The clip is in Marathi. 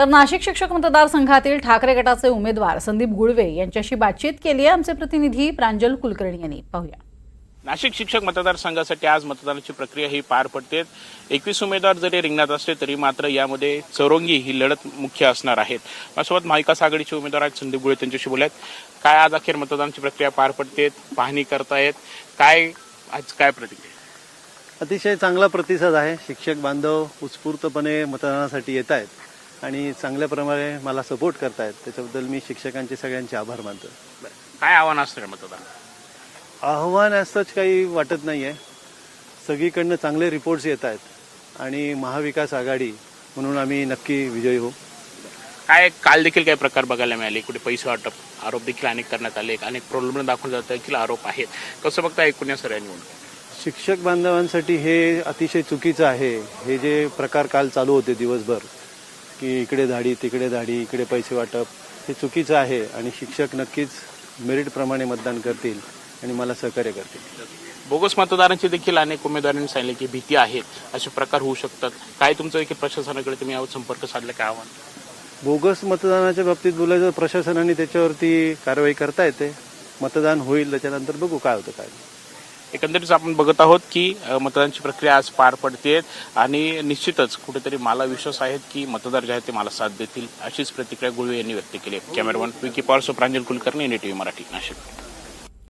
तर नाशिक शिक्षक मतदारसंघातील ठाकरे गटाचे उमेदवार संदीप गुळवे यांच्याशी बातचीत केली आहे आमचे प्रतिनिधी प्रांजल कुलकर्णी यांनी. पाहूया. नाशिक शिक्षक मतदारसंघासाठी आज मतदानाची प्रक्रिया ही पार पडते. 21 उमेदवार जरी रिंगणात असले तरी मात्र यामध्ये चौरंगी ही लढत मुख्य असणार आहेत. माझ्यासोबत महाविकास आघाडीचे उमेदवार आहेत संदीप गुळवे, त्यांच्याशी बोलत काय आज अखेर मतदानाची प्रक्रिया पार पडते, पाहणी करतायत, काय आज काय प्रतिक्रिया? अतिशय चांगला प्रतिसाद आहे. शिक्षक बांधव उत्स्फूर्तपणे मतदानासाठी येत आहेत आणि चांगल्या प्रमाणे मला सपोर्ट करतायत. त्याच्याबद्दल मी शिक्षकांचे सगळ्यांचे आभार मानतो. काय आव्हान असणार मतदान? आव्हान असंच काही वाटत नाही आहे. सगळीकडनं चांगले रिपोर्ट्स येत आहेत आणि महाविकास आघाडी म्हणून आम्ही नक्की विजयी होऊ. काय काल देखील काही प्रकार बघायला मिळाले, कुठे पैसे वाटप आरोप देखील अनेक करण्यात आले, अनेक प्रॉब्लेम दाखवून जात देखील आरोप आहेत. कसं बघता एकूण या सगळ्या निवडणूक? शिक्षक बांधवांसाठी हे अतिशय चुकीचं आहे. हे जे प्रकार काल चालू होते दिवसभर की इकडे धाडी तिकडे धाडी इकडे पैसे वाटप, हे चुकीचं आहे आणि शिक्षक नक्कीच मेरिटप्रमाणे मतदान करतील आणि मला सहकार्य करतील. बोगस मतदारांची देखील अनेक उमेदवारांनी सांगितले की भीती आहेत, असे प्रकार होऊ शकतात. काय तुमचं देखील प्रशासनाकडे तुम्ही यावर संपर्क साधला, काय आव्हान? बोगस मतदानाच्या बाबतीत बोलायचं, प्रशासनाने त्याच्यावरती कारवाई करता येते. मतदान होईल त्याच्यानंतर बघू काय होतं काय. एकंदरीत आपण बघत आहोत की मतदानाची प्रक्रिया आज पार पडते आणि निश्चितच कुठेतरी मला विश्वास आहे की मतदार जे आहेत ते मला साथ देतील, अशीच प्रतिक्रिया गुळवे यांनी व्यक्त केली. Cameraman Vicky Pawar, Pranjal Kulkarni, NDTV Marathi, Nashik.